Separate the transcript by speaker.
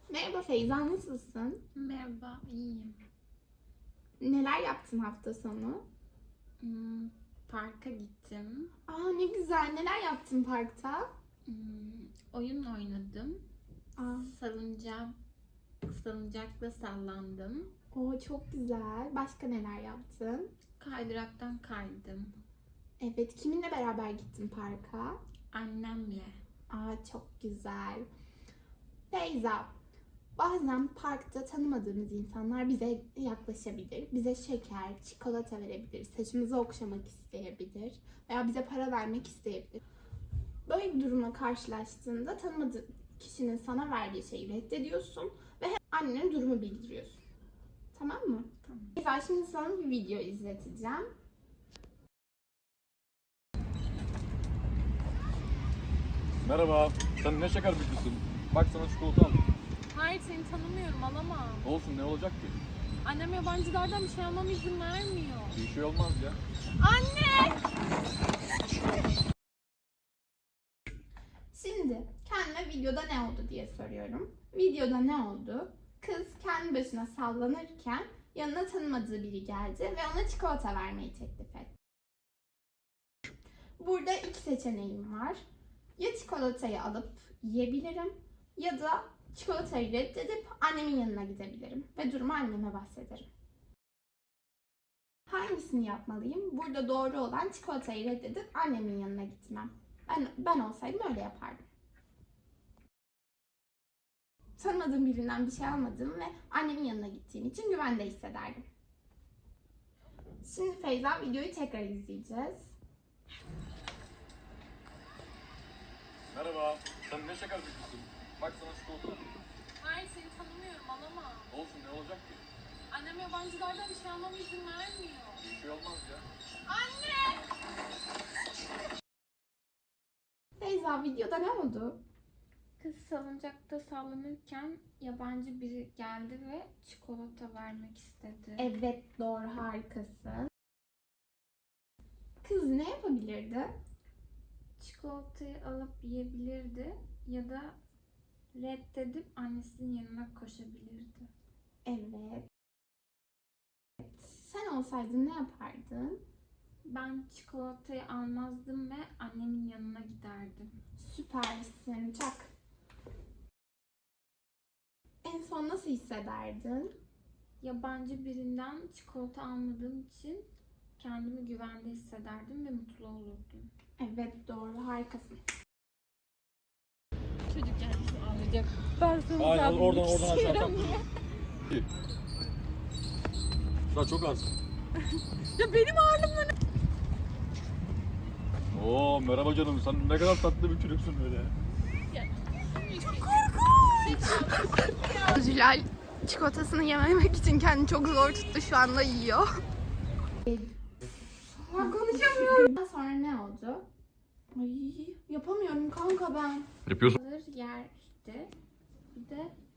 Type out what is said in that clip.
Speaker 1: Merhaba Feyza, nasılsın?
Speaker 2: Merhaba, iyiyim.
Speaker 1: Neler yaptın hafta sonu?
Speaker 2: Parka gittim.
Speaker 1: Aa ne güzel, neler yaptın parkta?
Speaker 2: Hmm, Oyun oynadım.
Speaker 1: Aa,
Speaker 2: Salıncak, salıncakla sallandım.
Speaker 1: o çok güzel. Başka neler yaptın?
Speaker 2: Kaydıraktan kaydım.
Speaker 1: Evet, kiminle beraber gittin parka?
Speaker 2: Annemle.
Speaker 1: Aa çok güzel. Feyza, bazen parkta tanımadığımız insanlar bize yaklaşabilir. Bize şeker, çikolata verebilir, saçımızı okşamak isteyebilir veya bize para vermek isteyebilir. Böyle bir durumla karşılaştığında tanımadığın kişinin sana verdiği şeyi reddediyorsun ve annene durumu bildiriyorsun. Tamam mı?
Speaker 2: Tamam.
Speaker 1: Mesela şimdi sana bir video izleteceğim.
Speaker 3: Merhaba, sen ne şeker bitmişsin? Bak sana çikolata aldım.
Speaker 4: Hayır, seni tanımıyorum, alamam.
Speaker 3: Olsun, ne olacak ki?
Speaker 4: Annem yabancılardan bir şey almama izin vermiyor.
Speaker 3: Bir şey olmaz ya.
Speaker 4: Anne!
Speaker 1: Şimdi kendime videoda ne oldu diye soruyorum. Videoda ne oldu? Kız kendi başına sallanırken yanına tanımadığı biri geldi ve ona çikolata vermeyi teklif etti. Burada iki seçeneğim var. Ya çikolatayı alıp yiyebilirim ya da çikolatayı reddedip annemin yanına gidebilirim ve durumu anneme bahsederim. Hangisini yapmalıyım? Burada doğru olan çikolatayı reddedip annemin yanına gitmem. Ben olsaydım öyle yapardım. Tanımadığım birinden bir şey almadığım ve annemin yanına gittiğim için güvende hissederdim. Şimdi Feyza videoyu tekrar izleyeceğiz.
Speaker 3: Merhaba, sen ne şeker bitmişsin? Bak sana çikolata aldım.
Speaker 4: Hayır, seni tanımıyorum, alamam.
Speaker 3: Olsun, ne olacak ki?
Speaker 4: Annem yabancılardan bir şey almama izin vermiyor.
Speaker 3: Bir şey olmaz ya.
Speaker 4: Anne!
Speaker 1: Feyza videoda ne oldu?
Speaker 2: Kız salıncakta sallanırken yabancı biri geldi ve çikolata vermek istedi.
Speaker 1: Evet doğru, harikasın. Kız ne yapabilirdi?
Speaker 2: Çikolatayı alıp yiyebilirdi ya da reddedip annesinin yanına koşabilirdi.
Speaker 1: Evet. Sen olsaydın ne yapardın?
Speaker 2: Ben çikolatayı almazdım ve annemin yanına giderdim.
Speaker 1: Süpersin. Çak. En son nasıl hissederdin?
Speaker 2: Yabancı birinden çikolata almadığım için kendimi güvende hissederdim ve mutlu olurdum.
Speaker 1: Evet doğru, harikasın.
Speaker 4: Çocuk gelmiş ağlayacak. Ben sana
Speaker 3: Aynen,
Speaker 4: zaten
Speaker 3: oradan aşağı
Speaker 4: istiyorum
Speaker 3: tak.
Speaker 4: diye.
Speaker 3: Daha çok az.
Speaker 4: Ya benim ağırlığımla ne?
Speaker 3: Oo, merhaba canım, sen ne kadar tatlı bir çocuksun öyle.
Speaker 1: Zülal çikolatasını yememek için kendini çok zor tuttu, şu anda yiyor. Ya konuşamıyorum. Daha sonra ne oldu? Ay yapamıyorum kanka ben.
Speaker 3: Yapıyorsun.
Speaker 2: Alır yerdi. Bir de